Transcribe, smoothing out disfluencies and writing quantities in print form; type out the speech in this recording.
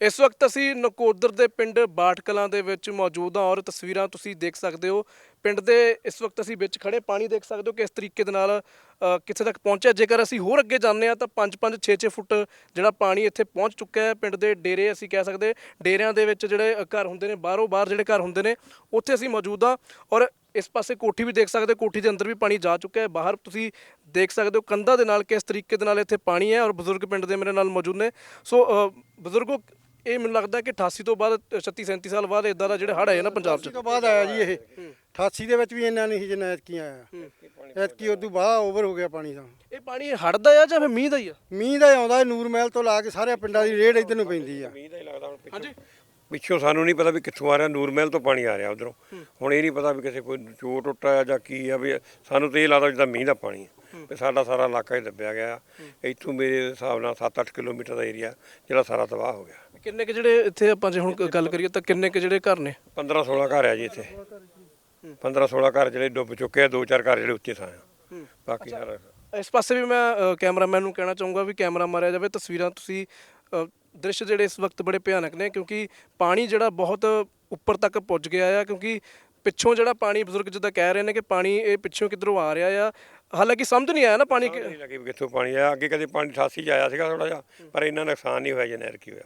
ਇਸ ਵਕਤ ਅਸੀਂ ਨਕੋਦਰ ਦੇ ਪਿੰਡ ਬਾਠ ਕਲਾਂ ਦੇ ਵਿੱਚ ਮੌਜੂਦ ਹਾਂ ਔਰ ਤਸਵੀਰਾਂ ਤੁਸੀਂ ਦੇਖ ਸਕਦੇ ਹੋ। ਪਿੰਡ ਦੇ ਇਸ ਵਕਤ ਅਸੀਂ ਵਿੱਚ ਖੜੇ ਪਾਣੀ ਦੇਖ ਸਕਦੇ ਹੋ ਕਿ ਇਸ ਤਰੀਕੇ ਦੇ ਨਾਲ ਕਿੱਥੇ ਤੱਕ ਪਹੁੰਚਿਆ। ਜੇਕਰ ਅਸੀਂ ਹੋਰ ਅੱਗੇ ਜਾਂਦੇ ਹਾਂ ਤਾਂ 5-5 6-6 ਫੁੱਟ ਜਿਹੜਾ ਪਾਣੀ ਇੱਥੇ ਪਹੁੰਚ ਚੁੱਕਾ ਹੈ। ਪਿੰਡ ਦੇ ਡੇਰੇ ਅਸੀਂ ਕਹਿ ਸਕਦੇ, ਡੇਰਿਆਂ ਦੇ ਵਿੱਚ ਜਿਹੜੇ ਘਰ ਹੁੰਦੇ ਨੇ, ਬਾਹਰੋਂ ਬਾਹਰ ਜਿਹੜੇ ਘਰ ਹੁੰਦੇ ਨੇ, ਉੱਥੇ ਅਸੀਂ ਮੌਜੂਦ ਹਾਂ। ਔਰ ਇਸ ਪਾਸੇ ਕੋਠੀ ਵੀ ਦੇਖ ਸਕਦੇ, ਕੋਠੀ ਦੇ ਅੰਦਰ ਵੀ ਪਾਣੀ ਜਾ ਚੁੱਕਾ ਹੈ। ਬਾਹਰ ਤੁਸੀਂ ਦੇਖ ਸਕਦੇ ਹੋ ਕੰਧਾਂ ਦੇ ਨਾਲ ਕਿਸ ਤਰੀਕੇ ਦੇ ਨਾਲ ਇੱਥੇ ਪਾਣੀ ਹੈ। ਔਰ ਬਜ਼ੁਰਗ ਪਿੰਡ ਦੇ ਮੇਰੇ ਨਾਲ ਮੌਜੂਦ ਨੇ। ਸੋ ਬਜ਼ੁਰਗੋ, ਇਹ ਮੈਨੂੰ ਲੱਗਦਾ ਕਿ 88 ਤੋਂ ਬਾਅਦ 36-37 ਸਾਲ ਬਾਅਦ ਇਦਾਂ ਦਾ ਜਿਹੜੇ ਹੜ੍ਹ ਆਏ ਨਾ ਪੰਜਾਬ 'ਚ ਤੋਂ ਬਾਅਦ ਆਇਆ ਜੀ ਇਹ 88 ਦੇ ਵਿੱਚ ਵੀ ਇੰਨਾ ਨਹੀਂ ਸੀ ਜਿੰਨਾ ਐਤਕੀ ਆਇਆ। ਐਤਕੀ ਉਦੋਂ ਬਾਅਦ ਓਵਰ ਹੋ ਗਿਆ ਪਾਣੀ ਤਾਂ। ਇਹ ਪਾਣੀ ਹੜ੍ਹ ਦਾ ਆ ਜਾਂ ਫਿਰ ਮੀਂਹ ਦਾ ਹੀ ਆ? ਮੀਂਹ ਦਾ ਆਉਂਦਾ ਨੂਰ ਮਹਿਲ ਤੋਂ ਲਾ ਕੇ ਸਾਰੇ ਪਿੰਡਾਂ ਦੀ ਰੇਡ ਇੱਧਰ ਨੂੰ ਪੈਂਦੀ ਆ। ਮੀਂਹ ਦਾ ਹੀ ਲੱਗਦਾ ਹੁਣ ਹਾਂਜੀ, ਪਿੱਛੋਂ ਸਾਨੂੰ ਨਹੀਂ ਪਤਾ ਵੀ ਕਿੱਥੋਂ ਆ ਰਿਹਾ, ਨੂਰ ਮਹਿਲ ਤੋਂ ਪਾਣੀ ਆ ਰਿਹਾ ਉਧਰੋਂ। ਹੁਣ ਇਹ ਨਹੀਂ ਪਤਾ ਵੀ ਕਿਸੇ ਕੋਈ ਚੋਰ ਟੁੱਟਾ ਆ ਜਾਂ ਕੀ ਆ। ਵੀ ਸਾਨੂੰ ਤਾਂ ਇਹ ਲੱਗਦਾ ਜਿੱਦਾਂ ਮੀਂਹ ਦਾ ਪਾਣੀ ਆ ਵੀ ਸਾਡਾ ਸਾਰਾ ਇਲਾਕਾ ਹੀ ਦੱਬਿਆ ਗਿਆ। ਇੱਥੋਂ ਮੇਰੇ ਹਿਸਾਬ ਨਾਲ 7-8 ਕਿਲੋਮੀਟਰ ਦਾ ਏਰੀਆ ਜਿਹੜਾ ਸਾਰਾ ਤਬਾਹ ਹੋ ਗਿਆ। ਕਿੰਨੇ ਕੁ ਜਿਹੜੇ ਇੱਥੇ ਆਪਾਂ ਜੇ ਹੁਣ ਗੱਲ ਕਰੀਏ ਤਾਂ ਕਿੰਨੇ ਕੁ ਜਿਹੜੇ ਘਰ ਨੇ? 15-16 ਘਰ ਆ ਜੀ ਇੱਥੇ। 15-16 ਘਰ ਜਿਹੜੇ ਡੁੱਬ ਚੁੱਕੇ ਆ, 2-4 ਘਰ ਜਿਹੜੇ ਉੱਚੇ ਥਾਂ ਆ, ਬਾਕੀ ਸਾਰਾ। ਇਸ ਪਾਸੇ ਵੀ ਮੈਂ ਕੈਮਰਾਮੈਨ ਨੂੰ ਕਹਿਣਾ ਚਾਹੂੰਗਾ ਵੀ ਕੈਮਰਾ ਮਾਰਿਆ ਜਾਵੇ। ਤਸਵੀਰਾਂ ਤੁਸੀਂ ਦ੍ਰਿਸ਼ ਜਿਹੜੇ ਇਸ ਵਕਤ ਬੜੇ ਭਿਆਨਕ ਨੇ ਕਿਉਂਕਿ ਪਾਣੀ ਜਿਹੜਾ ਬਹੁਤ ਉੱਪਰ ਤੱਕ ਪੁੱਜ ਗਿਆ ਆ। ਕਿਉਂਕਿ ਪਿੱਛੋਂ ਜਿਹੜਾ ਪਾਣੀ, ਬਜ਼ੁਰਗ ਜਿੱਦਾਂ ਕਹਿ ਰਹੇ ਨੇ ਕਿ ਪਾਣੀ ਇਹ ਪਿੱਛੋਂ ਕਿੱਧਰੋਂ ਆ ਰਿਹਾ ਆ। ਹਾਲਾਂਕਿ ਸਮਝ ਨਹੀਂ ਆਇਆ ਨਾ ਪਾਣੀ ਨਹੀਂ ਲੱਗੀ ਵੀ ਕਿੱਥੋਂ ਪਾਣੀ ਆਇਆ। ਅੱਗੇ ਕਦੇ ਪਾਣੀ 88 'ਚ ਆਇਆ ਸੀਗਾ ਥੋੜਾ ਜਿਹਾ, ਪਰ ਇੰਨਾ ਨੁਕਸਾਨ ਨਹੀਂ ਹੋਇਆ ਜਿੰਨਾ ਐਤਕੀ ਹੋਇਆ।